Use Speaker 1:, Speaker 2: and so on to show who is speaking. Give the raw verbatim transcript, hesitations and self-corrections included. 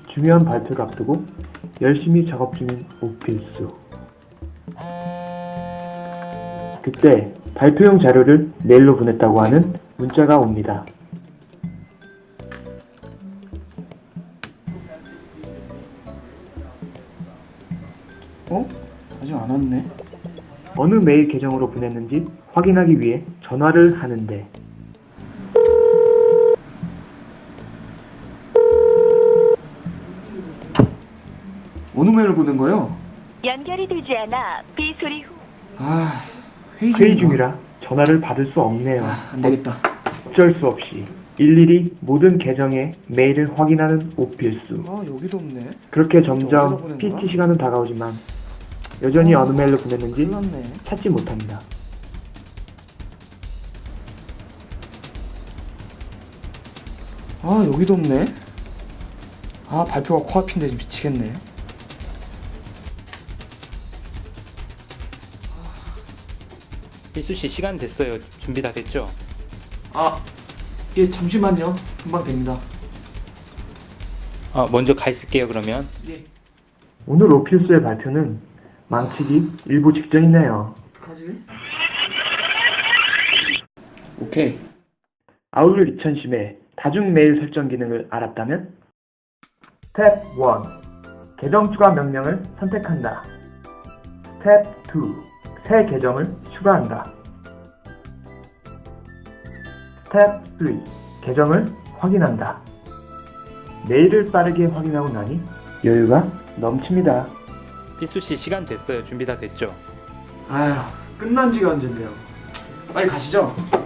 Speaker 1: 중요한 발표를 앞두고 열심히 작업 중인 오필수. 그때 발표용 자료를 메일로 보냈다고 하는 문자가 옵니다.
Speaker 2: 어? 아직 안 왔네.
Speaker 1: 어느 메일 계정으로 보냈는지 확인하기 위해 전화를 하는데
Speaker 2: 어느 메일로 보낸 거요?
Speaker 3: 연결이 되지 않아 비소리 후
Speaker 2: 아, 회의,
Speaker 1: 회의
Speaker 2: 중인가?
Speaker 1: 중이라 전화를 받을 수 없네요.
Speaker 2: 아, 안 되겠다.
Speaker 1: 어쩔 수 없이 일일이 모든 계정의 메일을 확인하는 오필수.
Speaker 2: 아, 여기도 없네.
Speaker 1: 그렇게
Speaker 2: 어디다
Speaker 1: 점점
Speaker 2: 보낸 거야?
Speaker 1: 피티 시간은 다가오지만 여전히
Speaker 2: 아,
Speaker 1: 어느 메일로 보냈는지
Speaker 2: 큰일 났네.
Speaker 1: 찾지 못합니다.
Speaker 2: 아, 여기도 없네. 아, 발표가 코앞인데 미치겠네.
Speaker 4: 필수 씨 시간 됐어요. 준비 다 됐죠?
Speaker 2: 아, 예, 잠시만요. 금방 됩니다.
Speaker 4: 아, 먼저 가 있을게요. 그러면.
Speaker 2: 예,
Speaker 1: 오늘 오필수의 발표는 망치기 일보 직전이네요.
Speaker 2: 어떡하지? 오케이.
Speaker 1: 아울렛 이천십의 다중 메일 설정 기능을 알았다면? 스텝 일. 계정 추가 명령을 선택한다. 스텝 이. 새 계정을 추가한다. 스텝 삼. 계정을 확인한다. 메일을 빠르게 확인하고 나니 여유가 넘칩니다.
Speaker 4: 필수 씨 시간 됐어요. 준비 다 됐죠?
Speaker 2: 아휴, 끝난 지가 언젠데요. 빨리 가시죠.